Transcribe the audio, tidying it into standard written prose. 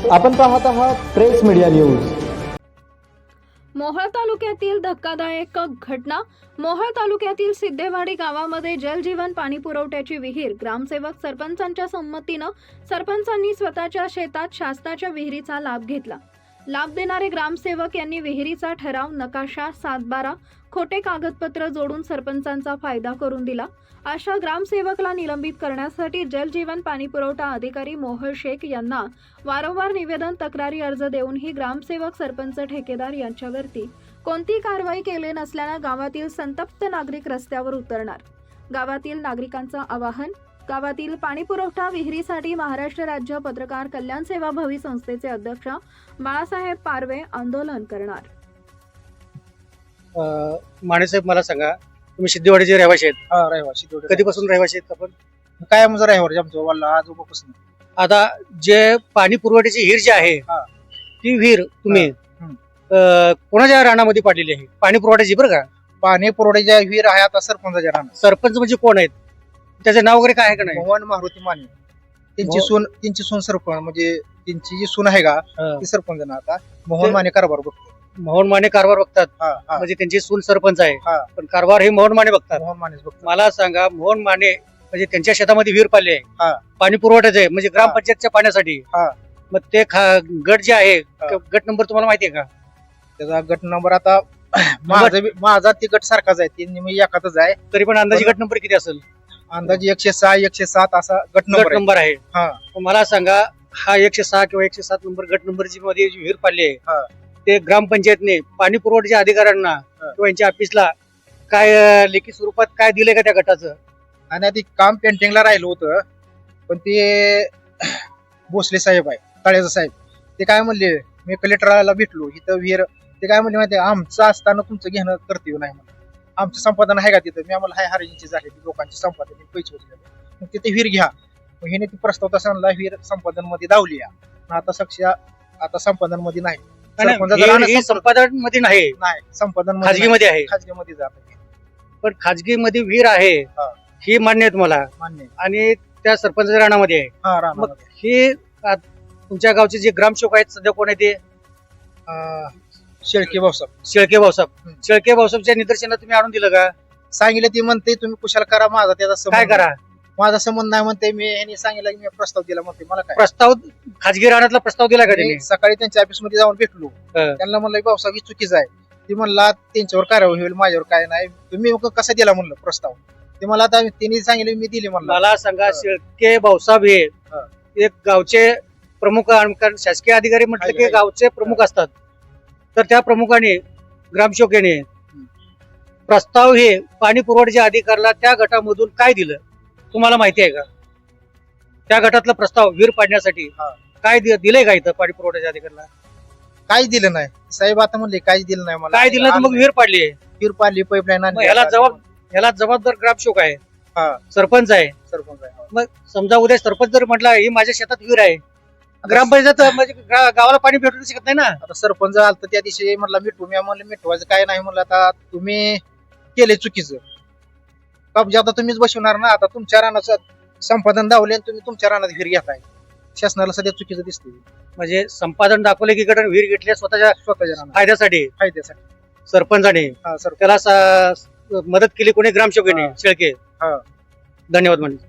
आपण पाहत आहात प्रेस मीडिया न्यूज. मोहोळ तालुक्यातील धक्कादायक घटना. मोहोळ तालुक्यातील सिद्धेवाडी गावामध्ये जलजीवन पाणी पुरवठ्याची विहीर ग्रामसेवक सरपंचांच्या संमतीनं सरपंचांनी स्वतःच्या शेतात शासनाच्या विहिरीचा लाभ घेतला. लाभ देणारे ग्रामसेवक यांनी विहिरीचा ठराव, नकाशा, 7/12 खोटे कागदपत्र जोडून सरपंचांचा फायदा करून दिला. अशा ग्रामसेवकला निलंबित करण्यासाठी जलजीवन पाणी पुरवठा अधिकारी मोहोळ शेख यांना वारंवार निवेदन, तक्रारी अर्ज देऊनही ग्रामसेवक, सरपंच, ठेकेदार यांच्यावरती कोणती कारवाई केली नसल्यानं गावातील संतप्त नागरिक रस्त्यावर उतरणार. गावातील नागरिकांचं आवाहन. गावातील पाणी पुरवठा विहिरीसाठी महाराष्ट्र राज्य पत्रकार कल्याण सेवा भवी संस्थेचे अध्यक्ष बाळासाहेब पारवे आंदोलन करणार. मानेसाहेब, मला सांगा, तुम्ही सिद्धेवाडीचे रहिवासी आहेत? हा, रहिवासी. कधीपासून रहिवासी आहेत आपण? काय म्हणजे रहिवासी आमचं वल्ला आजोबापासून. आता जे पाणी पुरवठ्याची विहीर जी आहे, हा. ती विहीर तुम्ही कोणाच्या रानामध्ये पाडलेली आहे? पाणी पुरवठ्याची, बरं का? पाणी पुरवठ्याच्या विहीर आहे आता सरपंचाच्या रानात. सरपंच म्हणजे कोण आहेत? त्याचं नाव वगैरे काय आहे का नाही? मोहन मारुती माने. त्यांची सून सरपंच, म्हणजे त्यांची जी सून आहे का ती सरपंच ना आता. मोहन माने कारभार बघतो. मोहन माने कारभार बघतात. म्हणजे त्यांची सून सरपंच आहे, पण कारभार हे मोहन माने बघतात. मोहन मानेच बघतो. मला सांगा, मोहन माने म्हणजे त्यांच्या शेतामध्ये विहीर पाडली आहे, पाणी पुरवठ्याचं आहे, म्हणजे ग्रामपंचायतच्या पाण्यासाठी. मग ते गट जे आहे, गट नंबर तुम्हाला माहिती आहे का? त्याचा गट नंबर आता माझा ती गट सारखाच आहे, ती मी एकातच आहे. तरी पण अंदाजे गट नंबर किती असेल? अंदाजे 106, 107 असा गट नंबर आहे. हा. मला सांगा, हा 106 किंवा 107 नंबर गट नंबरची मध्ये जी विहीर पाडली आहे, ते ग्रामपंचायतने पाणी पुरवठ्याच्या अधिकाऱ्यांना किंवा यांच्या ऑफिसला काय लेखी स्वरूपात काय दिलंय का त्या गटाचं? आणि आधी काम पेंटिंगला राहिलं होतं, पण ते भोसले साहेब आहे, तळेजा साहेब, ते काय म्हणले, मी कलेक्टरला भेटलो इथं विहीर, ते काय म्हणले माहिती, आमचं असताना तुमचं घेणं कर्तव्य नाही म्हणलं. आमचं संपादन आहे का तिथं? मी आम्हाला हाय हरिजींची झाली लोकांची संपादन, पैसे होते, मग तिथे विहीर घ्या. मग हिने ती प्रस्ताव तसा आणला, विहीर संपादन मध्ये दावली आहे. आता संपादन मध्ये नाही. संपादन मध्ये नाही, संपादन खाजगी मध्ये आहे. खाजगी मध्ये जात, पण खाजगी मध्ये विहीर आहे ही मान्य आहे तुम्हाला? मान्य. आणि त्या सरपंचाच्या राणामध्ये आहे. मग हे तुमच्या गावचे जे ग्रामसेवक आहेत सध्या कोण आहे ते? शेळके भाऊसाहेब. शेळके भाऊसाहेब. शेळके भाऊसाहेबच्या निदर्शनात तुम्ही आणून दिलं का? सांगितलं, ती म्हणते तुम्ही कुशाल करा, माझा त्याचा काय करा, माझा संबंध नाही म्हणते. मी ह्यांनी सांगितलं की मी प्रस्ताव दिला म्हणते. मला काय प्रस्ताव, खाजगी रानातला प्रस्ताव दिला का त्यांनी? सकाळी त्यांच्या ऑफिस मध्ये जाऊन भेटलो, त्यांना म्हणलं भाऊसाहेब ही चुकीचं आहे. ती म्हणला त्यांच्यावर कारवाई होईल, माझ्यावर काय नाही. तुम्ही कसा दिला म्हणलं प्रस्ताव? ते मला आता त्यांनी सांगितलं, मी दिली म्हणलं. मला सांगा, शेळके भाऊसाहेब हे एक गावचे प्रमुख, कारण शासकीय अधिकारी म्हटलं की गावचे प्रमुख असतात, तर त्या प्रमुखाने, ग्रामसेवकाने प्रस्ताव हे पाणी पुरवठ्याच्या अधिकाऱ्याला त्या गटामधून काय दिलं तुम्हाला माहिती आहे का? त्या गटातला प्रस्ताव विहीर पाडण्यासाठी काय दिलंय का इथं पाणी पुरवठ्याच्या अधिकाऱ्याला? काहीच दिलं नाही साहेब. आता म्हणले काहीच दिलं नाही मला. काय दिलं? मग विहीर पाडली आहे, विहीर पाडली, पाईपलाईन आणली. याला जबाबदार ग्रामसेवक आहे, सरपंच आहे. मग समजा उद्या सरपंच जर म्हटला ही माझ्या शेतात विहीर आहे, ग्रामपंचायत म्हणजे गावाला पाणी भेटू शकत नाही ना. आता सरपंच आलं त्या दिवशी म्हटलं मिठू, मी म्हणलं मिठवायचं काय नाही म्हणलं. आता तुम्ही केले चुकीचं, कब्जा आता तुम्हीच बसवणार ना. आता तुमच्या रानाचं संपादन दावले आणि तुम्ही तुमच्या रानात विहीर घेताय, शासनाला सध्या चुकीचं दिसते. म्हणजे संपादन दाखवले की गट विहीर घेतल्या स्वतःच्या फायद्यासाठी सरपंचाने त्याला मदत केली कोणी? ग्रामसेवकाने, शेळके. धन्यवाद म्हणजे.